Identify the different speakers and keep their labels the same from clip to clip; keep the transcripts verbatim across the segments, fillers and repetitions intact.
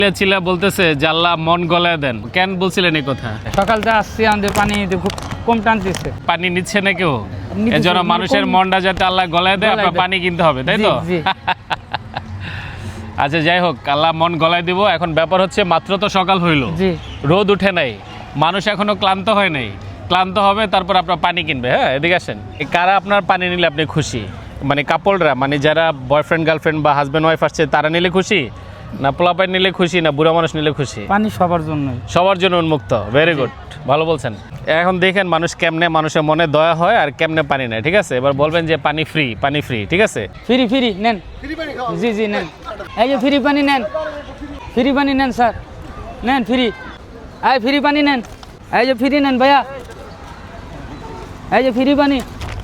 Speaker 1: ছিল বলতেছে যে আল্লাহ মন গলায় দেন, কেন বলছিলেন এই কথা?
Speaker 2: সকাল থেকে আসছি আমাদের পানি খুব কম টানতেছে,
Speaker 1: পানি নিচ্ছে না কেউ,
Speaker 2: নিতেছে,
Speaker 1: এজন্য
Speaker 2: মানে
Speaker 1: মানুষের
Speaker 2: কম-
Speaker 1: মনটা যাতে আল্লাহ গলায় দেয়,
Speaker 2: গলায়
Speaker 1: আপনার
Speaker 2: দেয়।
Speaker 1: পানি কিনতে হবে, তাই
Speaker 2: জি,
Speaker 1: তো?
Speaker 2: জি।
Speaker 1: আচ্ছা যাই হোক, আল্লাহ মন গলায় দিব। এখন ব্যাপার হচ্ছে মাত্র তো সকাল হইল,
Speaker 2: জি
Speaker 1: রোদ উঠে নাই, মানুষ এখনো ক্লান্ত হয় নাই, ক্লান্ত হবে তারপর আপনার পানি কিনবে। হ্যাঁ, এদিকে আসেন। এই কারা আপনার পানি নিলে আপনি খুশি? মানে কাপড়রা, মানে যারা বয়ফ্রেন্ড গার্লফ্রেন্ড বা হাজব্যান্ড ওয়াইফ আসছে তারা নিলে খুশি, না পোলাপাই নিলে খুশি, না বুড়া মানুষ নিলে খুশি?
Speaker 2: পানি সবার জন্যই।
Speaker 1: সবার জন্য উন্মুক্ত। ভেরি গুড, ভালো বলছেন। এখন দেখেন মানুষ কেমনে, মানুষের মনে দয়া হয় আর কেমনে পানি নেয়। ঠিক আছে, এবার বলবেন যে পানি ফ্রি, পানি ফ্রি, ঠিক আছে?
Speaker 2: ফ্রি ফ্রি নেন, জি জি নেন, এই যে ফ্রি পানি নেন, ফ্রি পানি নেন স্যার, নেন ফ্রি, এই ফ্রি পানি নেন, এই যে ফ্রি নেন ভাইয়া, এই যে ফ্রি পানি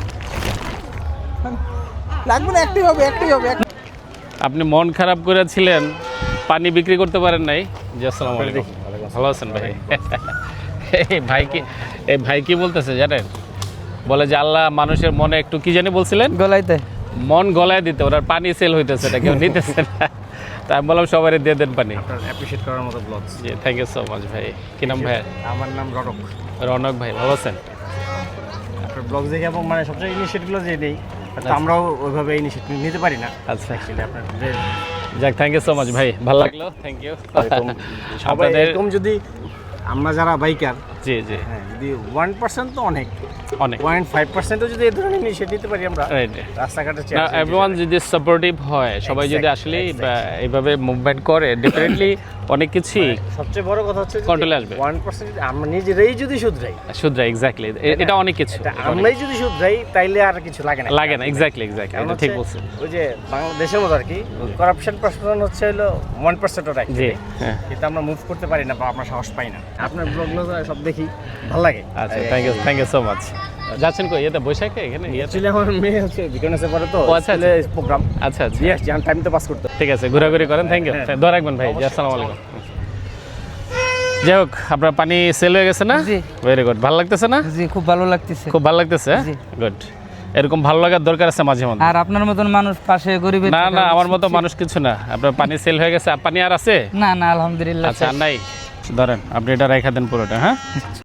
Speaker 3: লাগবে না, একটাই হবে, একটাই হবে।
Speaker 1: আপনি মন খারাপ করেছিলেন, পানি বিক্রি করতে পারেন নাই। জি, আসসালামু আলাইকুম। ভালো আছেন ভাই? এই ভাই কি, এই ভাই কি বলতেছে জানেন? বলে যে আল্লাহ মানুষের মনে একটু কি জানি বলছিলেন,
Speaker 2: গলাইতে
Speaker 1: মন গলায় দিতে, ওরা পানি সেল হইতেছে, এটা কেউ নিতেছে না। তাই আমি বললাম সবাই দিয়ে দেন পানি।
Speaker 3: আপনার অ্যাপ্রিশিয়েট করার মতো ব্লগ।
Speaker 1: জি, থ্যাংক ইউ সো মাচ ভাই। কি নাম ভাই?
Speaker 3: আমার নাম রনক।
Speaker 1: রনক ভাই, ভালো আছেন?
Speaker 3: আপনার ব্লগ দেখে এবং মানে সবচেয়ে ইনিশিয়েটিভগুলো যে নেই, তো আমরাও ওইভাবে ইনিশিয়েটিভ নিতে পারি না।
Speaker 1: আচ্ছা,
Speaker 3: অ্যাকচুয়ালি আপনার যে
Speaker 1: যাক, থ্যাংক ইউ সো মাচ ভাই, ভালো লাগলো, থ্যাংক ইউ।
Speaker 3: এরকম সবাই
Speaker 1: আপনাদের
Speaker 3: এরকম যদি আমরা যারা বাইকার,
Speaker 1: জি জি
Speaker 3: হ্যাঁ, যদি ওয়ান পার্সেন্ট তো অনেক,
Speaker 1: অনেক
Speaker 3: পয়েন্ট ফাইভ পার্সেন্টও যদি এই ধরনের ইনিশিয়েটিভ নিতে পারি আমরা
Speaker 1: রাইট।
Speaker 3: রাস্তাঘাটে
Speaker 1: না, এভরিওয়ান যদি সাপোর্টিভ হয়, সবাই যদি
Speaker 3: Exactly,
Speaker 1: আসলে
Speaker 3: exactly.
Speaker 1: এইভাবে মুভমেন্ট করে, ডেফিনেটলি অনেক কিছুই
Speaker 3: সবচেয়ে বড় কথা হচ্ছে
Speaker 1: Control এ আসবে।
Speaker 3: ওয়ান পার্সেন্ট আমরা নিজেরাই যদি শুধরাই,
Speaker 1: শুধরা। এক্স্যাক্টলি, এটা অনেক কিছু,
Speaker 3: এটা
Speaker 1: এটা অনেক
Speaker 3: আমরাই যদি শুধরাই, তাইলে আর কিছু লাগে না।
Speaker 1: লাগে না। এক্স্যাক্টলি এক্স্যাক্টলি,
Speaker 3: কারণ
Speaker 1: এটা ঠিক
Speaker 3: হচ্ছে
Speaker 1: বলছেন।
Speaker 3: ওই যে বাংলাদেশের মতো আর কি, করাপশন পার্সেন্ট হচ্ছে হলো ওয়ান পার্সেন্ট ওটা,
Speaker 1: জি, হ্যাঁ।
Speaker 3: কিন্তু আমরা মুভ করতে পারি না বা আমরা সাহস পাই না। আপনার ব্লগগুলো সব দেখি, ভালো লাগে।
Speaker 1: আচ্ছা, thank you, thank you so much. যাচ্ছেন কই? এটা বৈশাখে এখানে ইয়েতে?
Speaker 3: অ্যাকচুয়ালি আমার মেয়ে হচ্ছে বিকনেসে পড়ে তো,
Speaker 1: ও, আচ্ছা,
Speaker 3: স্কুলে প্রোগ্রাম।
Speaker 1: আচ্ছা আচ্ছা,
Speaker 3: দিয়ে আসছি, টাইম তো পাস করতে।
Speaker 1: ঠিক আছে, ঘোরাঘুরি করেন। থ্যাংক ইউ,
Speaker 3: হ্যাঁ।
Speaker 1: দোয়া রাখবেন ভাই। জি, আসসালামু আলাইকুম। যাই হোক, আপনার পানি সেল হয়ে গেছে না?
Speaker 2: জি।
Speaker 1: ভেরি গুড, ভালো লাগতেছে না?
Speaker 2: জি খুব ভালো লাগতেছে।
Speaker 1: খুব ভালো লাগতেছে,
Speaker 2: জি।
Speaker 1: গুড। এরকম ভালো লাগার দরকার আছে মাঝে মধ্যে।
Speaker 2: আর আপনার মতন মানুষ পাশে গরিবের
Speaker 1: না
Speaker 2: থাকা
Speaker 1: না, আমার
Speaker 2: উচিত।
Speaker 1: মতো মানুষ কিছু না। আপনার পানি সেল হয়ে গেছে, পানি আর আছে?
Speaker 2: না না আলহামদুলিল্লাহ
Speaker 1: আচ্ছা, আর নাই? ধরেন, আপনি এটা রেখে দেন পুরোটা। হ্যাঁ।